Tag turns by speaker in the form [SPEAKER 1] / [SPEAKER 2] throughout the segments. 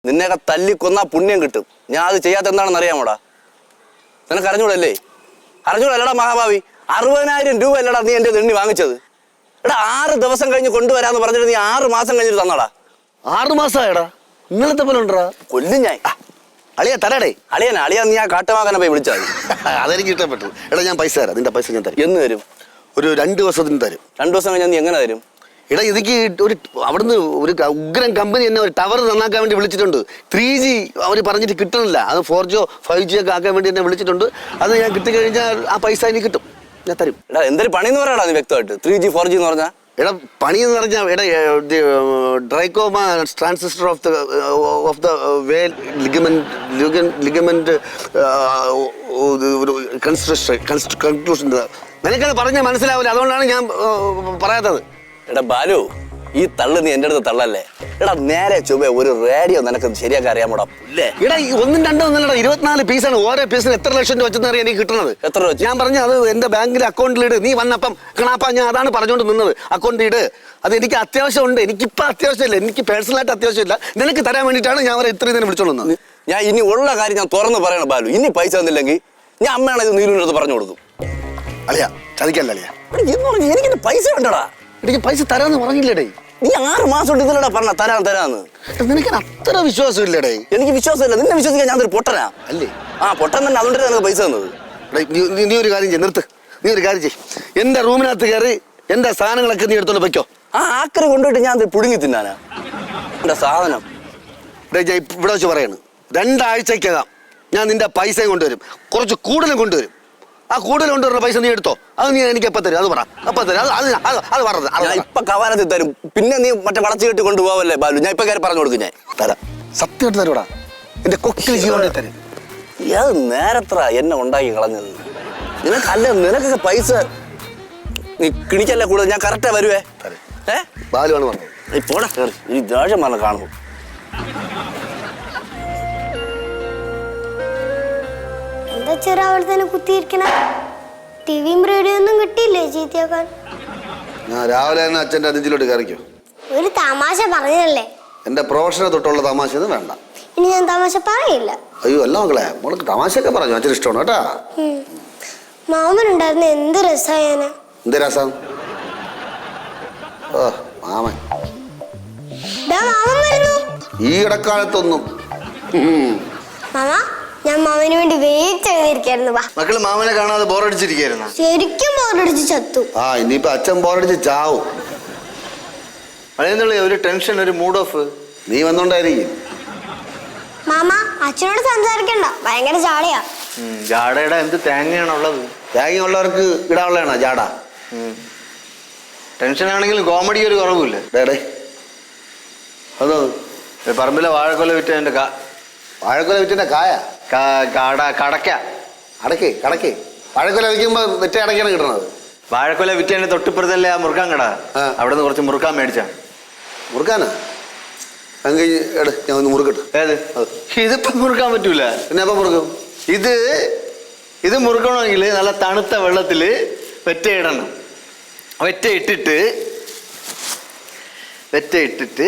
[SPEAKER 1] നിന്നെയൊക്കെ തല്ലിക്കൊന്നാ പുണ്യം കിട്ടും. ഞാൻ അത് ചെയ്യാത്ത എന്താണെന്ന് അറിയാമോടാ? നിനക്ക് അറിഞ്ഞൂടല്ലേ? അറിഞ്ഞൂടല്ലടാ മഹാഭാവി. 60,000 രൂപ അല്ലടാ നീ എൻ്റെ എണ്ണി വാങ്ങിച്ചത്. എടാ 6 ദിവസം കഴിഞ്ഞ് കൊണ്ടുവരാന്ന് പറഞ്ഞിട്ട് നീ 6 മാസം കഴിഞ്ഞിട്ട് തന്നടാ.
[SPEAKER 2] 6 മാസമായടാ. ഇന്നലത്തെ പോലെ ഉണ്ടടാ.
[SPEAKER 1] കൊല്ലും ഞാൻ.
[SPEAKER 2] അളിയാ തരാടേ.
[SPEAKER 1] അളിയാ നീ ആ കാട്ടുമാകനെ പോയി വിളിച്ചാൽ
[SPEAKER 2] അതെനിക്ക് ഇഷ്ടപ്പെട്ടു. എടാ ഞാൻ പൈസ തരാം. നിന്റെ പൈസ ഞാൻ തരും.
[SPEAKER 1] എന്ന് തരും?
[SPEAKER 2] ഒരു 2 ദിവസത്തിന് തരും.
[SPEAKER 1] 2 ദിവസം കഴിഞ്ഞാൽ നീ എങ്ങനെ തരും?
[SPEAKER 2] എടാ എനിക്ക് ഒരു അവിടുന്ന് ഒരു ഉഗ്രൻ കമ്പനി എന്നെ ഒരു ടവർ നന്നാക്കാൻ വേണ്ടി വിളിച്ചിട്ടുണ്ട്. 3G അവർ പറഞ്ഞിട്ട് കിട്ടണില്ല. അത് 4G 5G ഒക്കെ ആക്കാൻ വേണ്ടി എന്നെ വിളിച്ചിട്ടുണ്ട്. അത് ഞാൻ കിട്ടിക്കഴിഞ്ഞാൽ ആ പൈസ എനിക്ക് കിട്ടും. ഞാൻ തരും.
[SPEAKER 1] എടാ എന്തൊരു പണി എന്ന് പറയാടാ നീ വ്യക്തമായിട്ട്? 3G 4G എന്ന് പറഞ്ഞാൽ
[SPEAKER 2] എടാ പണി എന്ന് പറഞ്ഞാൽ എടാ trichoma transistor of the way ligament conclusion. നിനക്കത് പറഞ്ഞാൽ മനസ്സിലാവില്ല. അതുകൊണ്ടാണ് ഞാൻ പറയാത്തത്.
[SPEAKER 1] എടാ ബാലു, ഈ തള്ളു നീ എൻ്റെ അടുത്ത് തള്ളല്ലേ? എടാ നേരെ ചൊവ്വേ ഒരു റേഡിയോ നിനക്ക് ശരിയാക്കി അറിയാമോടാ?
[SPEAKER 2] എടാ 1, 2 ഒന്നല്ലടാ, 24 പീസാണ്. ഓരോ പീസിന് എത്ര ലക്ഷം രൂപ വെച്ചെന്ന് അറിയാൻ എനിക്ക് കിട്ടുന്നത്.
[SPEAKER 1] എത്ര രൂപ?
[SPEAKER 2] ഞാൻ പറഞ്ഞു അത് എന്റെ ബാങ്കിലെ അക്കൗണ്ടിലിട്. നീ വന്നപ്പം കണാപ്പ ഞാൻ അതാണ് പറഞ്ഞുകൊണ്ട് നിന്നത്. അക്കൗണ്ടിൽ ഇട്. അത് എനിക്ക് അത്യാവശ്യമുണ്ട്. എനിക്കിപ്പോൾ അത്യാവശ്യമില്ല. എനിക്ക് പേഴ്സണലായിട്ട് അത്യാവശ്യമില്ല. നിനക്ക് തരാൻ വേണ്ടിയിട്ടാണ് ഞാൻ അവരെ ഇത്രയും ഇതിനെ വിളിച്ചോളുന്നത്.
[SPEAKER 1] ഞാൻ ഇനി ഉള്ള കാര്യം ഞാൻ തുറന്ന് പറയണം ബാലു. ഇനി പൈസ തന്നില്ലെങ്കിൽ ഞാൻ അമ്മയാണ് ഇത് നീലുവിൻ്റെ അടുത്ത് പറഞ്ഞു കൊടുക്കും.
[SPEAKER 2] അളിയാ ചതിക്കല്ല അളിയാ.
[SPEAKER 1] എനിക്ക് പൈസ വേണ്ടടാ.
[SPEAKER 2] എനിക്ക് പൈസ തരാന്ന് പറഞ്ഞില്ലേടേ?
[SPEAKER 1] നീ 6 മാസം എടുത്തില്ലടാ പറഞ്ഞ തരാന്ന്.
[SPEAKER 2] നിനക്ക് അത്ര വിശ്വാസം ഇല്ലേടേ?
[SPEAKER 1] എനിക്ക് വിശ്വാസമില്ല. നിന്നെ വിശ്വസിക്കാൻ ഞാൻ ഒരു പൊട്ടനാ
[SPEAKER 2] അല്ലേ?
[SPEAKER 1] ആ പൊട്ടൻ തന്നെ. അതുകൊണ്ടല്ലേ നിനക്ക് പൈസ തന്നത്.
[SPEAKER 2] നീ ഒരു കാര്യം ചെയ്യ്. നിർത്ത്. നീ ഒരു കാര്യം ചെയ്യ്. എന്റെ റൂമിനകത്ത് കയറി എന്റെ സാധനങ്ങളൊക്കെ നീ എടുത്തോണ്ട് വെക്കോ.
[SPEAKER 1] ആ ആക്കറി കൊണ്ടുപോയിട്ട് ഞാൻ പുടുങ്ങി തിന്നാനാ എന്റെ സാധനം.
[SPEAKER 2] ഞാൻ ഇവിടെ വെച്ച് പറയാണ്, 2 ആഴ്ചക്കകം ഞാൻ നിന്റെ പൈസയും കൊണ്ടുവരും. കുറച്ച് കൂടുതലും കൊണ്ടുവരും. ആ കൂടുതൽ കൊണ്ടുവരുന്ന പൈസ നീ എടുത്തോ. അത് നീ എനിക്ക് എപ്പോൾ തരും? അത് പറ. അപ്പം തരും. അത് പറഞ്ഞത്
[SPEAKER 1] ഞാൻ ഇപ്പൊ കവാലത്തിൽ തരും. പിന്നെ നീ മറ്റേ വളച്ചു കെട്ടി കൊണ്ടുപോവല്ലേ ബാലു? ഞാൻ ഇപ്പൊ കയറി പറഞ്ഞു കൊടുക്കും. ഞാൻ
[SPEAKER 2] തരാം. സത്യമായിട്ട് തരൂടാ. എന്റെ കൊക്കിൽ ജീവനെ തരും.
[SPEAKER 1] അത് നേരത്ര എന്നെ ഉണ്ടാക്കി കളഞ്ഞത്. നിനക്കൊക്കെ പൈസ നീ കിണിക്കല്ലേ കൂടുതൽ. ഞാൻ കറക്റ്റാ വരുവേ.
[SPEAKER 2] ബാലുവാണ് പറഞ്ഞത്.
[SPEAKER 1] പോടാ കയറി. ഈ ദേഷ്യം പറഞ്ഞ കാണുമ്പോ
[SPEAKER 3] എന്താ ചെറു അവിടെ തന്നെ കുത്തിയിരിക്കണ? ടിവിയും റേഡിയോ ഒന്നും കിട്ടിയില്ലേ ചീത്തയാക്കാൻ?
[SPEAKER 2] ഞാൻ രാവിലെ തന്നെ അച്ഛൻ്റെ അതിഥിയിലോട്ട് കയറിക്കോ.
[SPEAKER 3] ഒരു തമാശ പറഞ്ഞതല്ലേ?
[SPEAKER 2] എന്റെ പ്രൊഫഷനെ തൊട്ടുള്ള തമാശ ഒന്നും വേണ്ട.
[SPEAKER 3] ഇനി ഞാൻ തമാശ പറയില്ല.
[SPEAKER 2] അയ്യോ അല്ല മക്കളെ, മോൾക്ക് തമാശയൊക്കെ പറഞ്ഞു. അച്ഛൻ ഇഷ്ടമാണ് കേട്ടാ.
[SPEAKER 3] മാമനുണ്ടായിരുന്ന എന്ത് രസായന.
[SPEAKER 2] എന്ത് രസം? ഓ മാമൻ
[SPEAKER 3] മാമൻ വരുന്നു.
[SPEAKER 2] ഈ ഇടക്കാലത്തൊന്നും.
[SPEAKER 3] മാമ ഞാൻ മാമന് വേണ്ടി വെയിറ്റ് ചെയ്തിരിക്കായിരുന്നു.
[SPEAKER 4] മക്കള് മാമനെ കാണാതെ ബോറടിച്ചിരിക്കായിരുന്നു.
[SPEAKER 3] ശരിക്കും ബോറടിച്ച് ചത്തു.
[SPEAKER 2] ആ ഇനിയിപ്പോ അച്ഛൻ ബോറടിച്ച് ചാവും.
[SPEAKER 4] അതെന്നുള്ള ഒരു ടെൻഷൻ, ഒരു മൂഡ് ഓഫ്.
[SPEAKER 2] നീ വന്നോണ്ടായിരിക്കും.
[SPEAKER 3] മാമ അച്ഛനോട് സംസാരിക്കണ്ട, ഭയങ്കര ജാടയാ.
[SPEAKER 4] ജാടയുടെ എന്ത് തേങ്ങയാണുള്ളത്?
[SPEAKER 2] തേങ്ങ ഉള്ളവർക്ക് ഇടാനുള്ളതാണോ ജാട?
[SPEAKER 4] ടെൻഷൻ ആണെങ്കിലും കോമഡി ഒരു കുറവില്ല.
[SPEAKER 2] അതോ
[SPEAKER 4] പറമ്പിലെ വാഴക്കൊല വിറ്റതിന്റെ
[SPEAKER 2] വാഴക്കൊല വിറ്റിന്റെ കായ
[SPEAKER 4] കടക്ക
[SPEAKER 2] കടക്കേ വാഴക്കൊല വിൽക്കുമ്പോ വെറ്റ അടക്കാണ് കിട്ടണത്.
[SPEAKER 4] വാഴക്കൊല വിറ്റതിന്റെ തൊട്ടിപ്പുറത്തല്ലേ ആ മുറുക്കാൻ കട. അവിടെ നിന്ന് കുറച്ച് മുറുക്കാൻ മേടിച്ചാ.
[SPEAKER 2] മുറുക്കാനാ? അങ്ങ് ഞാൻ ഒന്ന് മുറുക്കട്ടെ.
[SPEAKER 4] ഏത്? ഇതിപ്പോ മുറുക്കാൻ പറ്റൂല.
[SPEAKER 2] പിന്നെ എപ്പം മുറുക്കും?
[SPEAKER 4] ഇത് മുറുക്കണമെങ്കിൽ നല്ല തണുത്ത വെള്ളത്തില് വെറ്റ ഇടണം. വെറ്റ ഇട്ടിട്ട്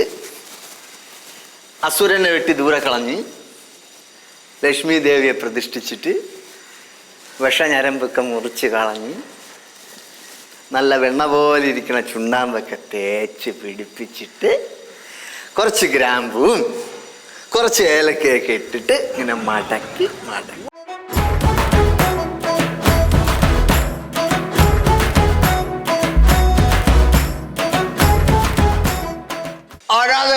[SPEAKER 4] അസുരനെ വെട്ടി ദൂരെ കളഞ്ഞ് ലക്ഷ്മി ദേവിയെ പ്രതിഷ്ഠിച്ചിട്ട് വിഷഞരമ്പൊക്കെ മുറിച്ച് കളഞ്ഞ് നല്ല വെണ്ണ പോലെ ഇരിക്കുന്ന ചുണ്ണാമ്പൊക്കെ തേച്ച് പിടിപ്പിച്ചിട്ട് കുറച്ച് ഗ്രാമ്പും കുറച്ച് ഏലക്കയൊക്കെ ഇട്ടിട്ട് ഇങ്ങനെ മടക്കി ആരാത്?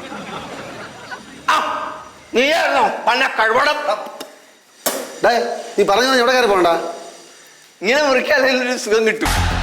[SPEAKER 4] നീയായിരുന്നോ പന്ന കഴിവടം?
[SPEAKER 2] നീ പറഞ്ഞു എവിടെ കയറി പോകണ്ട.
[SPEAKER 4] ഇങ്ങനെ മുറിക്കാൻ ഒരു സുഖം കിട്ടും.